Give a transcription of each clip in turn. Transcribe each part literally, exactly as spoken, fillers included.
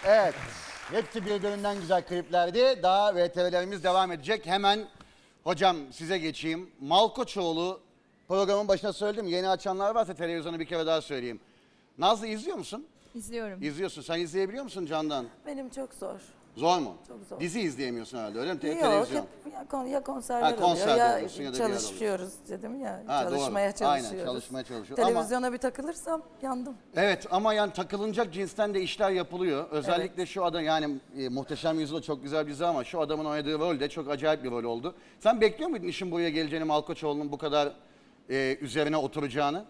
Evet. Hepsi birbirinden güzel kliplerdi. Daha V T R'lerimiz devam edecek. Hemen hocam size geçeyim. Malkoçoğlu programın başına söyledim. Yeni açanlar varsa televizyonu bir kere daha söyleyeyim. Nazlı izliyor musun? İzliyorum. İzliyorsun. Sen izleyebiliyor musun Candan? Benim çok zor. Zor mu? Çok zor. Dizi izleyemiyorsun herhalde öyle mi? Te- Yok, televizyon. hep ya, kon- ya konserler Ha, konserde oluyor ya, oluyorsun ya da bir yerde çalışıyoruz dedim ya. Ha, doğru. çalışmaya çalışıyoruz. Aynen, çalışmaya çalışıyoruz. Televizyona bir takılırsam yandım. Evet ama yani takılınacak cinsten de işler yapılıyor. Özellikle şu adam yani e, Muhteşem Yüzyıl çok güzel bir dizi ama şu adamın oynadığı rol de çok acayip bir rol oldu. Sen bekliyor muydun işin buraya geleceğini, Malkoçoğlu'nun bu kadar e, üzerine oturacağını?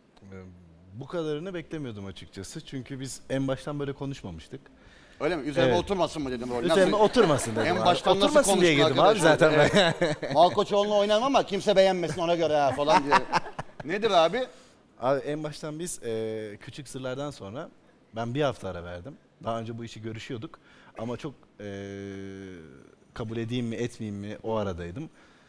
Bu kadarını beklemiyordum açıkçası. Çünkü biz en baştan böyle konuşmamıştık. Öyle mi? Üzerine Evet. oturmasın mı dedim rol? Üzerine oturmasın dedim En abi. baştan nasıl Oturmasın diye konuştun girdim abi arkadaşlar? zaten ben. Evet. Malkoçoğlu'nu oynarım ama kimse beğenmesin ona göre ha falan diye. Nedir abi? Abi en baştan biz e, Küçük Sırlardan sonra ben bir hafta ara verdim. Daha önce bu işi görüşüyorduk. Ama çok e, kabul edeyim mi etmeyeyim mi o aradaydım.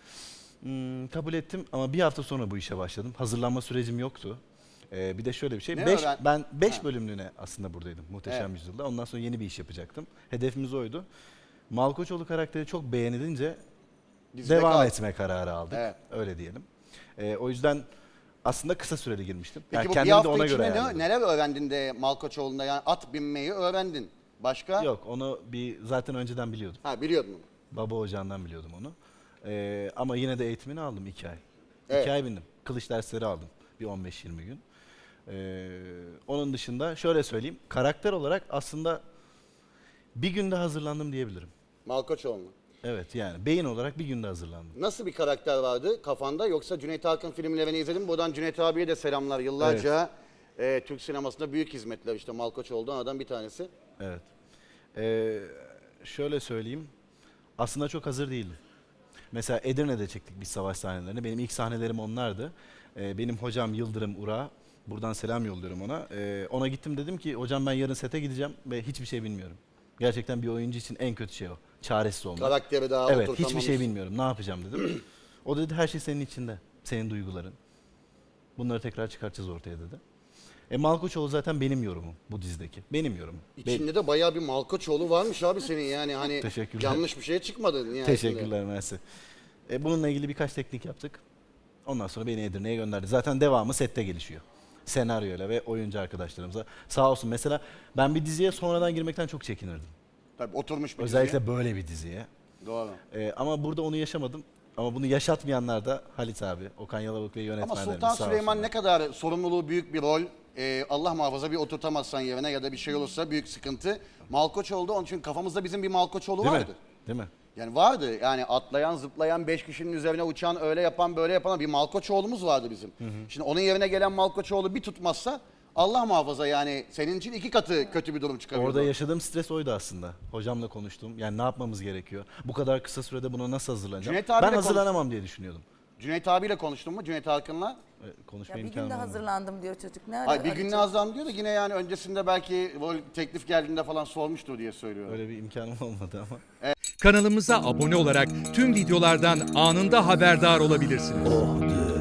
Hmm, kabul ettim ama bir hafta sonra bu işe başladım. Hazırlanma sürecim yoktu. Ee, bir de şöyle bir şey. Ne Beş, öğren- ben beş Ha. bölümlüğüne aslında buradaydım Muhteşem Evet. Yüzyıl'da. Ondan sonra yeni bir iş yapacaktım. Hedefimiz oydu. Malkoçoğlu karakteri çok beğenilince Dizide devam kal. etme kararı aldık. Evet. Öyle diyelim. Ee, o yüzden aslında kısa süreli girmiştim. Peki Yani bu bir kendimi de hafta ona içinde göre ne, ayarladım. neler öğrendin de Malkoçoğlu'nda yani at binmeyi öğrendin. Başka? Yok onu bir zaten önceden biliyordum. Ha biliyordun. Baba ocağından biliyordum onu. Ee, ama yine de eğitimini aldım iki ay. Evet. İki ay bindim. Kılıç dersleri aldım. Bir on beş yirmi gün. Ee, onun dışında şöyle söyleyeyim. Karakter olarak aslında bir günde hazırlandım diyebilirim. Malkoçoğlu. Evet yani beyin olarak bir günde hazırlandım. Nasıl bir karakter vardı kafanda yoksa Cüneyt Arkın filmlerini izledim. Buradan Cüneyt abiye de selamlar. Yıllarca e, Türk sinemasında büyük hizmetler işte Malkoçoğlu'dan adam bir tanesi. Evet. Ee, şöyle söyleyeyim. Aslında çok hazır değildim. Mesela Edirne'de çektik biz savaş sahnelerini. Benim ilk sahnelerim onlardı. Ee, benim hocam Yıldırım Ura. Buradan selam yolluyorum ona. Ee, ona gittim dedim ki hocam ben yarın sete gideceğim ve hiçbir şey bilmiyorum. Gerçekten bir oyuncu için en kötü şey o. Çaresiz olmak. Karakteri daha Evet oturtamamış. hiçbir şey bilmiyorum. Ne yapacağım dedim. O dedi her şey senin içinde. Senin duyguların. Bunları tekrar çıkartacağız ortaya dedi. E Malkoçoğlu zaten benim yorumum bu dizideki. Benim yorumum. İçinde de bayağı bir Malkoçoğlu varmış abi senin yani hani Teşekkürler. yanlış bir şeye çıkmadın yani. Teşekkürler Mersi. E, bununla ilgili birkaç teknik yaptık. Ondan sonra beni Edirne'ye gönderdi. Zaten devamı sette gelişiyor. Senaryoyla ve oyuncu arkadaşlarımıza. Sağ olsun mesela ben bir diziye sonradan girmekten çok çekinirdim. Tabii oturmuş bir Özellikle diziye. böyle bir diziye. Doğru. E, ama burada onu yaşamadım. Ama bunu yaşatmayanlar da Halit abi, Okan Yalavuk ve Ama yönetmenlerimiz Sultan sağ Süleyman olsunlar. ne kadar sorumluluğu büyük bir rol. Ee, Allah muhafaza bir oturtamazsan yerine ya da bir şey olursa büyük sıkıntı. Malkoçoğlu da onun için kafamızda bizim bir Malkoçoğlu Değil vardı. mi? Değil mi? Yani vardı yani atlayan, zıplayan, beş kişinin üzerine uçan, öyle yapan, böyle yapan bir Malkoçoğlu'muz vardı bizim. Şimdi onun yerine gelen Malkoçoğlu bir tutmazsa Allah muhafaza yani senin için iki katı kötü bir durum çıkarıyordu. Orada yaşadığım stres oydu aslında. Hocamla konuştum. Yani ne yapmamız gerekiyor? Bu kadar kısa sürede buna nasıl hazırlanacağım? Cüneyt abiyle Ben konuş- hazırlanamam diye düşünüyordum. Cüneyt abiyle konuştun mu? Cüneyt Arkın'la? E, konuşma Ya bir imkanım günde olmadı. hazırlandım diyor çocuk. Ne ara Ay bir gün arayacak? Nazlı diyor da yine yani öncesinde belki rol teklif geldiğinde falan sormuştur diye söylüyorum. Öyle bir imkanım olmadı ama. Kanalımıza abone olarak tüm videolardan anında haberdar olabilirsiniz.